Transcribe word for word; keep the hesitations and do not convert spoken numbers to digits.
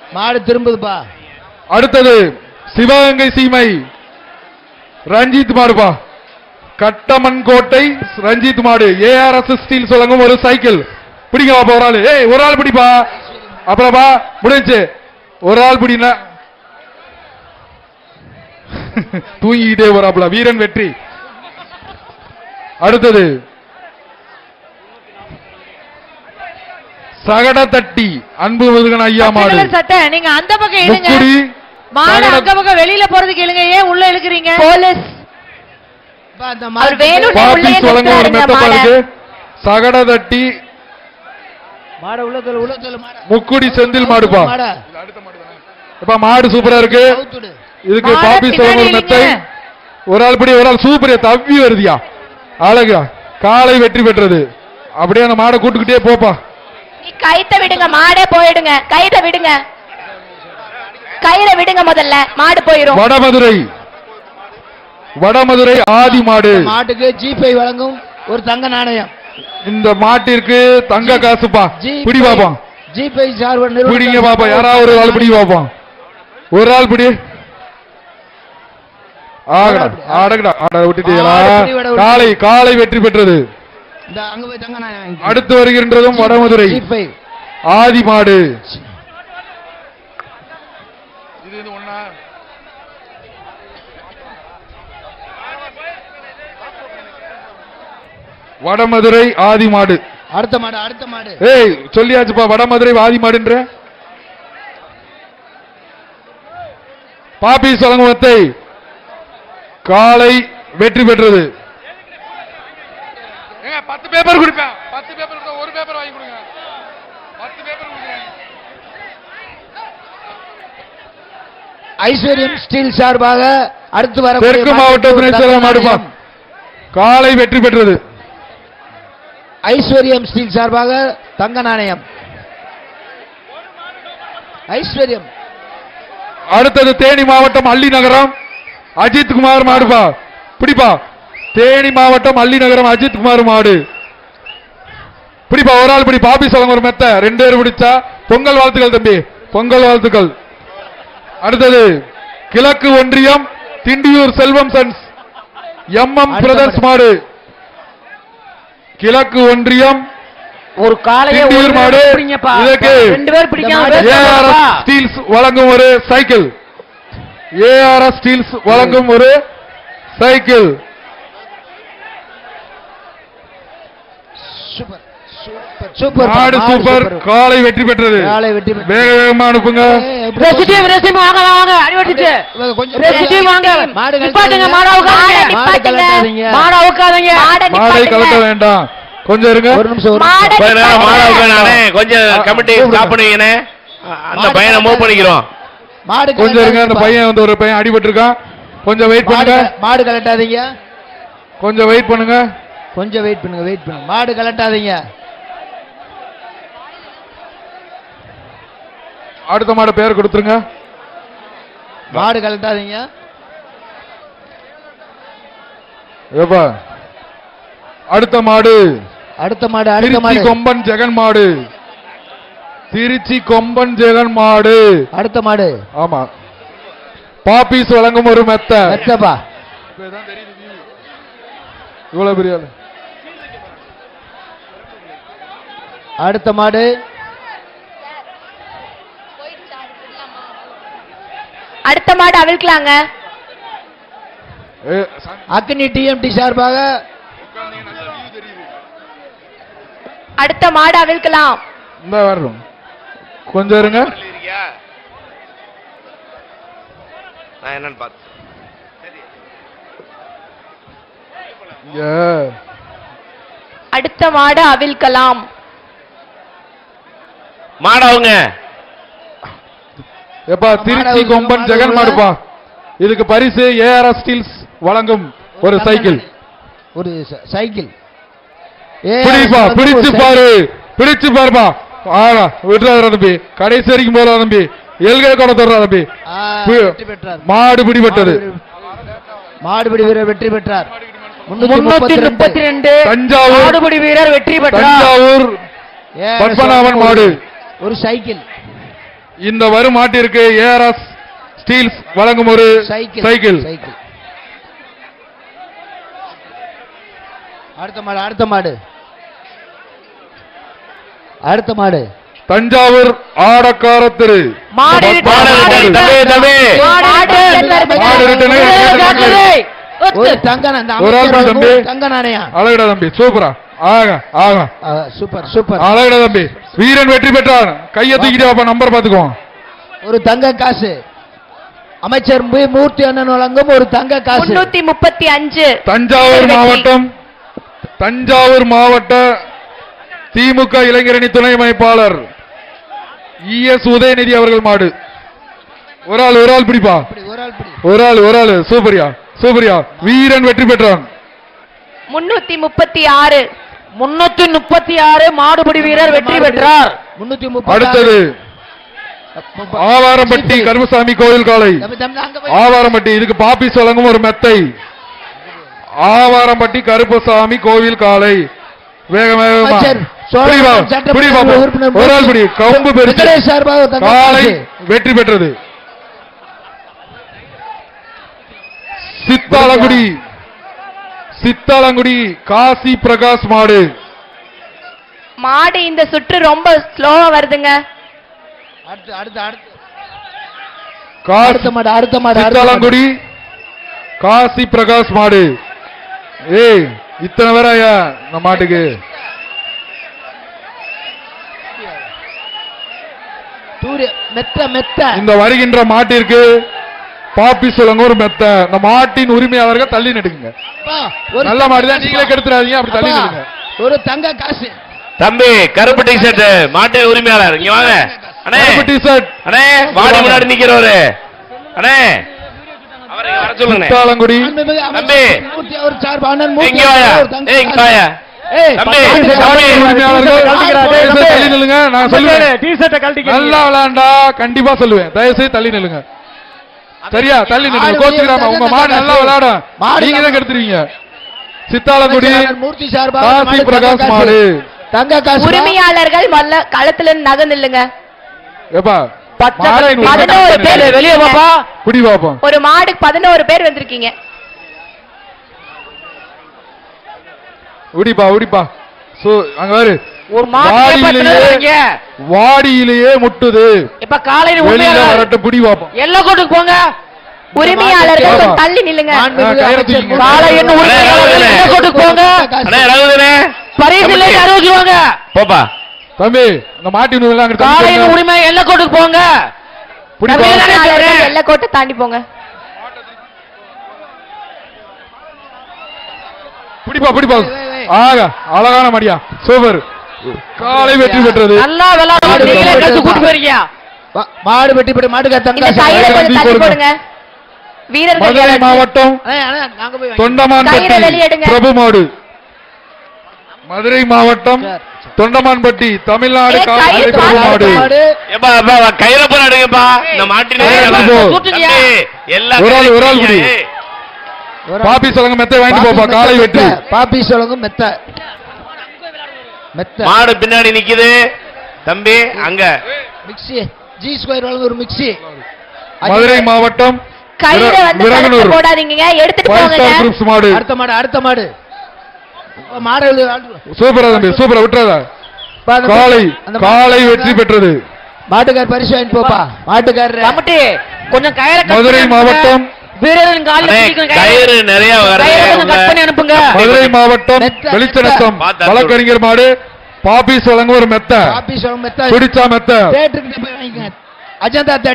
மாடு திரும்புதுப்பா. அடுத்தது சிவகங்கை சீமை ரஞ்சித் மாடுப்பா. கட்டமன் கோட்டை ரஞ்சித் மாடு. ஏஆர்எஸ் ஸ்டீல் வழங்கும் ஒரு சைக்கிள். பிடிங்க பாப்பா ஒரு ஆள். ஏய் ஒரு ஆள் பிடிப்பா. அப்புறப்பா முடிஞ்சு ஒரு ஆள் பிடினா தூங்கிக்கிட்டே வராப்புல. வீரன் வெற்றி. அடுத்தது சகட தட்டி அன்பு முருகன் ஐயா மாடு. சட்டை நீங்க அந்த பக்கம் இழுங்க. மாடு அந்த பக்கம் வெளியில போறதுக்கு இழுங்க. ஏன் உள்ள இழுக்குறீங்க? போலீஸ் சகட தட்டி முக்குடி செந்தில் மாடுப்பா. மாடு சூப்பரா இருக்கு. இதுக்கு பாப்பி சோழன் மெத்தை ஒரு ஆள் படி ஒரு ஆள் சூப்பரா தவ்வி வருதியா. அழகா காலை வெற்றி பெற்றது. அப்படியே அந்த மாடை கூட்டுக்கிட்டே போப்பா. கைத்த விடுங்க, மாடே போயிடுங்க. கைத விடுங்க, கையில விடுங்க. முதல்ல மாடு போயிடும். வடமதுரை வடமதுரை ஆதி மாடு. மாட்டுக்கு ஜிபே வழங்கும் ஒரு தங்க நாணயம். இந்த மாட்டிற்கு தங்க காசுப்பா. பிடி பாப்பா. ஜிபே சார்பு பிடிங்க பாப்பா. யாராவது ஒரு ஆள் பிடி பாப்பா. ஒரு ஆள் பிடி. காலை காலை வெற்றி பெற்றது. அடுத்து வருகின்றதும் வடமதுரை ஆதி மாடு. வடமதுரை ஆதி மாடு. அடுத்த மாடு அடுத்த மாடு. ஏய் சொல்லியாச்சுப்பா வடமதுரை ஆதி மாடுன்ற. பாப்பி சலங்குவத்தை காலை வெற்றி பெற்றது. பத்து பேப்பர் கொடுப்பேன். பத்து பேப்பர் ஒரு பேப்பர் வாங்கி கொடுங்க. பத்து பேப்பர் ஐஸ்வர்யம் ஸ்டீல் சார்பாக அடுத்து வர தெற்கு மாவட்ட துணை செயலர் மாடுப்பா. காலை வெற்றி பெற்றது. ஐஸ்வர்யம் ஸ்டீல் சார்பாக தங்க நாணயம். ஐஸ்வர்யம். அடுத்தது தேனி மாவட்டம் அள்ளி நகரம் அஜித் குமார் மாடுப்பா. பிடிப்பா. தேனி மாவட்டம் அள்ளி நகரம் அஜித் குமார் மாடு. பிடிப்பா ஒரு ஆள் பிடி. பாப்பி சொல்லுங்க ஒரு மெத்த ரெண்டு பேர் பிடிச்சா பொங்கல் வாழ்த்துக்கள் தம்பி. பொங்கல் வாழ்த்துக்கள். அடுத்தது கிழக்கு ஒன்றியம் Tindiyur Selvam sons M M brothers மாடு. கிழக்கு ஒன்றியம் ஒரு காலையே மாடு. இதற்கு ரெண்டு பேர் பிடிக்காம ஏஆர்எஸ் ஸ்டீல்ஸ் வழங்கும் ஒரு சைக்கிள். ஏஆர்எஸ் ஸ்டீல்ஸ் வழங்கும் ஒரு சைக்கிள். சூப்பர் மாடு சூப்பர். காலை வெற்றி பெற்றது. காலை வெற்றி வேக வேகமா அனுப்புங்க. ரெசிடிவ் ரெசிடிவ் வாங்க வாங்க அடிவட்டிச்சு. ரெசிடிவ் வாங்க. மாடு நிப்பாட்டுங்க. மாடு உட்காருங்க. மாடு கலட்டாதீங்க. மாடு உட்காருங்க. மாடை கலட்ட வேண்டாம். கொஞ்சம் இருங்க. ஒரு நிமிஷம். மாடு உட்காருங்க. கொஞ்சம் கமிட்டி ஸ்டாப் பண்ணுவீங்கனே. அந்த பையனை மூவ் பண்ணிக்கிறோம். மாடு கொஞ்சம் இருங்க. அந்த பையன் வந்து ஒரு பையன் அடிபட்டு இருக்கான். கொஞ்சம் வெயிட் பண்ணுங்க. மாடு கலட்டாதீங்க. கொஞ்சம் வெயிட் பண்ணுங்க. கொஞ்சம் வெயிட் பண்ணுங்க. வெயிட் பண்ணுங்க. மாடு கலட்டாதீங்க. அடுத்த மாடு பேர் கொடுத்துருங்க. மாடு கலட்டாதீங்க. ஏப்பா அடுத்த மாடு. அடுத்த மாடு அடுத்த மாடு கொம்பன் ஜெகன் மாடு. திருச்சி கொம்பன் ஜெகன் மாடு. அடுத்த மாடு. ஆமா. பாப்பீஸ் வழங்கும் ஒரு மெத்த. மெத்தப்பா. இவ்வளவு பெரிய. அடுத்த மாடு. அடுத்த மாடு அவிழ்க்கலாங்க. அக்னி டிஎம்டி சார்பாக அடுத்த மாடு அவிழ்க்கலாம். இந்த வர்றோம். கொஞ்சம் இருங்க. நான் என்னன்னு பார்த்து. அடுத்த மாடு அவிழ்க்கலாம். மாடவங்க எப்பா திருச்சி கொம்பன் ஜெகன் மாடுப்பா. இதுக்கு பரிசு ஏஆர்எஸ் ஸ்டீல்ஸ் வழங்கும் ஒரு சைக்கிள். ஒரு சைக்கிள். பிடிப்பா. பிடிச்சு பாரு. பிடிச்சு பாருப்பா. ஆனா விட்டுறாரு தம்பி. கடைசி வரைக்கும் போல தம்பி. எல்கை கூட தொடரா தம்பி. மாடு பிடிபட்டது. மாடுபிடி வீரர் வெற்றி பெற்றார். முன்னூத்தி முப்பத்தி ரெண்டு தஞ்சாவூர் மாடுபிடி வீரர் வெற்றி பெற்றார். தஞ்சாவூர் பத்மநாபன் மாடு. ஒரு சைக்கிள். இந்த வரும் மாட்டிற்கு ஏஆர்எஸ் ஸ்டீல்ஸ் வழங்கும் ஒரு சைக்கிள் சைக்கிள். சைக்கிள். அடுத்த மாடு அடுத்த மாடு அடுத்த மாடு தஞ்சாவூர் ஆடக்கார திரு மாடு மாடு return. தம்பி, தம்பி. மாடு மாடு return. ஒரு தங்க நா- இந்த ஒரு ஆள் அமைச்சர் தம்பி. ஒரு தங்க நாணயம். அழகடா தம்பி, சூப்பரா, ஆக ஆக ஆ, சூப்பர் சூப்பர். அழகடா தம்பி. வீரன் வெற்றி பெற்றார். கையை தூக்கிட்டு வாப்பா, நம்பர் பாத்துக்குவோம். ஒரு தங்க காசு அமைச்சர் மு. மூர்த்தி அண்ணன் வழங்கும் ஒரு தங்க காசு. முன்னூத்தி முப்பத்தி அஞ்சு தஞ்சாவூர் மாவட்டம் தஞ்சாவூர் மாவட்ட திமுக இளைஞரணி துணை அமைப்பாளர் இ எஸ் உதயநிதி அவர்கள் மாடு. ஒரு ஆள் ஒரு ஆள் பிடிப்பா, இப்படி ஒரு ஆள் பிடி. ஒரு ஆள் ஒரு ஆள் சூப்பரியா சூப்பரியா. வீரன் வெற்றி பெற்றான். முன்னூத்தி முப்பத்தி ஆறு முன்னூத்தி முப்பத்தி ஆறு மாடுபிடி வீரர் வெற்றி பெற்றார். முன்னூத்தி முப்பது. அடுத்தது ஆவாரம்பட்டி கருமசாமி கோயில் காலை. தம்பி, தம்பி, அங்க போய். ஆவாரம்பட்டி இதுக்கு பாப்பிஸ் வழங்கும் ஒரு மெத்தை. ஆவாரம்பட்டி கருப்பசாமி கோவில் காலை. வேக வேகமா அமைச்சர் சோழ பிடி வா, சட்டமன்ற பிடி பாப்போம். உறுப்பினர் ஒரு ஆள் பிடி. கம்பு பெருசு வெங்கடேஷ் சார்பாக தங்க காலை காசு. வெற்றி பெற்றது. சித்தாலங்குடி சித்தாலங்குடி காசி பிரகாஷ் மாடு. மாடு இந்த சுற்று ரொம்ப ஸ்லோவா வருதுங்க. அடுத்து அடுத்து அடுத்து காசி அடுத்த மாடு அடுத்த மாடு அடுத்த மாடு. சித்தாலங்குடி காசி பிரகாஷ் மாடு. ஏய், இத்தனை பேர் ஐயா நம்ம மாட்டுக்கு. தூரி மெத்த மெத்த. இந்த வருகின்ற மாட்டிற்கு பாப்பி சொல்லுங்க ஒரு மெத்த. இந்த மாட்டின் உரிமையாளர்கள் தள்ளி நடுங்க. அப்பா, ஒரு நல்ல தங்க மாடு தான், காசு. நீங்களே கெடுத்துறாதீங்க, அப்படி தள்ளி அப்பா, நடுங்க. ஒரு தங்க காசு. தம்பி, கருப்பு டி ஷர்ட் மாட்டு உரிமையாளர் இங்க வாங்க. அண்ணே கருப்பு டி-ஷர்ட் அண்ணே, வாடி முன்னாடி நிக்கிறவரு. அண்ணே, அவரை இங்க வர சொல்லுங்க. சித்தாலங்குடி மாண்புமிகு தம்பி. அமைச்சர் மூர்த்தி அவர் சார்பாக அண்ணன் மூர்த்தி இங்க வாயா, அவர்கள் ஒரு தங்க ஏய் இங்க காசு. வாயா. ஏய், தம்பி, பத்து தம்பி. மாட்டின் உரிமையாளர்கள் தயவு செய்து தள்ளி நில்லுங்க. நான் சொல்லுவேன், நல்லா விளையாண்டா கண்டிப்பா சொல்லுவேன். தயவு செய்து தள்ளி நில்லுங்க. சரியா, தள்ளி நில்லுங்க. மாடு கோச்சுக்கிறாம உங்க மாடு நல்லா விளையாடும், மாடு நீங்க தான் கெடுத்துருவீங்க. சித்தாலங்குடி அமைச்சர் அண்ணன் மூர்த்தி சார்பாக காசி மாடு தங்க பிரகாஷ் காசு. மாடு. தங்க காசு. உரிமையாளர்கள் மல்ல களத்துல நகர்ந்துல்லுங்க. ஏப்பா பச்சை மாட்டின் கலர் பதினோரு உரிமையாளர்கள் பேர் வெளியே பாப்பா. குடி பாப்போம். ஒரு மாடு பதினோரு பேர் வந்திருக்கீங்க. உடிப்பா உடிப்பா. சோ அங்க பாரு, ஒரு மாடு வாடியிலேயே வாடியிலேயே முட்டுது. இப்ப காலையில வெளியில உண்மையாளர் வரட்டும், புடி பாப்போம். எல்லை கோட்டுக்கு போங்க. உரிமையாளர்கள் மாடு கொஞ்சம் தள்ளி நில்லுங்க. மாண்புமிகு ஆ, கயிறை அமைச்சர் தூக்கிங்க. காலை என்ன உரிமையாளர்கள் எல்லை கோட்டுக்கு போங்க. அண்ணே, ரகுதனே பரிசு இல்லை அறிவிக்குவாங்க. போப்பா. தம்பி, இந்த மாட்டின் உரிமையாளர் அங்க தள்ளி காலையில போங்க. உரிமை எல்லை கோட்டுக்கு போங்க. புடி தம்பி, பாப்போம். தானே உரிமையாளர்கள் சொல்றேன். எல்லை கோட்டை தாண்டி போங்க. புடிப்பா புடிப்பா. ஆக அழகான மடியா, சூப்பர். காலை வெற்றி பெற்றது. நல்லா விளையாடு. நீங்களே கத்து கூட்டு போறீங்க. வா- மாடு வெட்டி போட்டு மாட்டுக்கு தங்க இந்த காசு. கயிறை கொஞ்சம் தள்ளி தள்ளி போடுங்க. போடுங்க. வீரர்கள் மதுரை யாராச்சும் மாவட்டம் அண்ணே, அண்ணே, நாங்க போய் வாங்கி- தொண்டமான்பட்டி கயிறை வெளியெடுங்க. பிரபு மாடு. மதுரை மாவட்டம் தொண்டமான்பட்டி தமிழ்நாடு ஏய், கால்நடை கயிறு பிரபு பாத்து மாடு. மாடு. ஏப்பா, அப்பா, கையில போற அடுங்கப்பா. இந்த மாட்டின் ஏய், உரிமையாளர். போ. கூட்டுங்க. தம்பி, எல்லா ஒரு ஆள், ஒரு ஆள் கையில புடி. ஏய், ஒரு பாப்பி சொல்லுங்க, மெத்தை வாங்கிட்டு போப்பா. பாப்பி காலை மெத்த, வெற்றி. பாப்பி சொல்லுங்க மெத்த மெத்த மாடு பின்னாடி நிக்குது. தம்பி, அங்க மிக்ஸி ஜி ஸ்கொயர் வழங்க ஒரு மிக்ஸி. மதுரை மாவட்டம் கயிறை வந்து கழுத்துல விரகனூர் போடாதீங்க, எடுத்துட்டு ஃபைவ் போங்க. ஸ்டார் குரூப்ஸ் மாடு. அடுத்த மாடு அடுத்த மாடு மாடு சூப்பரா தம்பி, சூப்பரா விட்டுறதா. காலை காலை வெற்றி பெற்றது. மாட்டுக்கார் பரிசு வாங்கிட்டு போப்பா. மாட்டுக்காரர் கமிட்டி கொஞ்சம் கயிறை cut மதுரை பண்ணி மாவட்டம் வீரரின் காலில் அண்ணே, பிடிக்கும் கயிறு. கயிறு நிறைய கயிறை கொஞ்சம் கட் பண்ணி வருது. அனுப்புங்க. மதுரை மாவட்டம் மெத்த, வெளிச்சநத்தம் மெத்த. வழக்கறிஞர் மாடு. பாப்பி சொல்லுங்க ஒரு மெத்த. பாப்பி சொல்லுங்க மெத்த. பிடிச்சா மெத்த. தேட்டருக்கு போய் வாங்கிக்க. அஜந்தா